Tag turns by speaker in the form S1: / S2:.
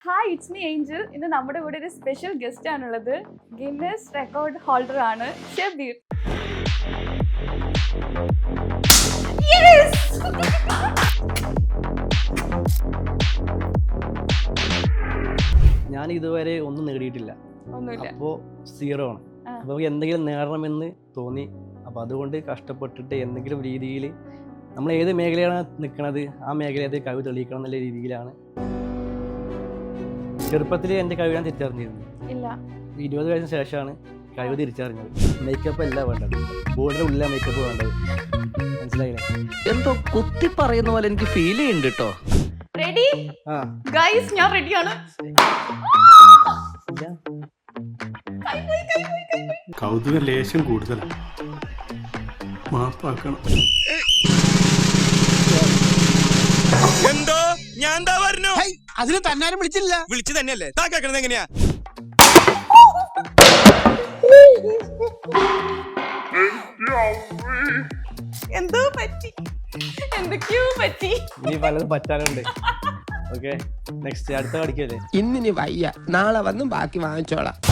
S1: Hi, it's me Angel. ഇന്ന് നമ്മുടെ കൂടെ ഒരു സ്പെഷ്യൽ ഗസ്റ്റ് ആണുള്ളത്. ഗിന്നസ് റെക്കോർഡ് ഹോൾഡർ ആണ് ഷബീർ.
S2: ഞാൻ ഇതുവരെ ഒന്നും നേടിയിട്ടില്ല,
S1: ഒന്നുമില്ല.
S2: അപ്പോൾ 0 ആണ്. അപ്പോൾ എന്തെങ്കിലും നേടണമെന്ന് തോന്നി. അപ്പോൾ അതുകൊണ്ട് കഷ്ടപ്പെട്ടിട്ട് എന്തെങ്കിലും രീതിയിൽ നമ്മൾ ഏത് മേഖലയാണ് നിൽക്കുന്നത് ആ മേഖലയിൽ കഴിവ് തെളിയിക്കണം എന്നുള്ള രീതിയിലാണ്. ചെറുപ്പത്തിൽ എൻ്റെ കഴിവ് ഞാൻ തിരിച്ചറിഞ്ഞിരുന്നു.
S1: ഇല്ല,
S2: 20 വയസ്സിന് ശേഷമാണ് കഴിവ് തിരിച്ചറിഞ്ഞത്. മേക്കപ്പ് അല്ല വേണ്ടത്, ബോർഡിൻ്റെ ഉള്ളിലെ മേക്കപ്പ് വേണ്ടത്. മനസ്സിലായില്ലേ?
S3: എന്തോ കുത്തി പറയുന്ന പോലെ എനിക്ക് ഫീൽ ചെയ്യുന്നുണ്ട് കേട്ടോ.
S1: റെഡി ഗൈസ്, ഞാൻ റെഡിയാണ്.
S4: കൗതുക ലേശം കൂടുതലാണ്, മാപ്പാക്കണം.
S5: എന്തോ ഞാൻ എന്താ പറഞ്ഞു?
S6: അതിന് തന്നാരും വിളിച്ചില്ല.
S5: വിളിച്ചു തന്നെയല്ലേ താ കേൾക്കണത് എങ്ങനെയാ?
S1: എന്തോ പറ്റി, എന്തൊക്കെയോ പറ്റി.
S2: ഇനി പലതും പറ്റാനുണ്ട്. ഓക്കെ, നെക്സ്റ്റ് അടുത്ത പഠിക്കല്ലേ?
S6: ഇന്നിനി വയ്യ, നാളെ വന്നും ബാക്കി വാങ്ങിച്ചോളാം.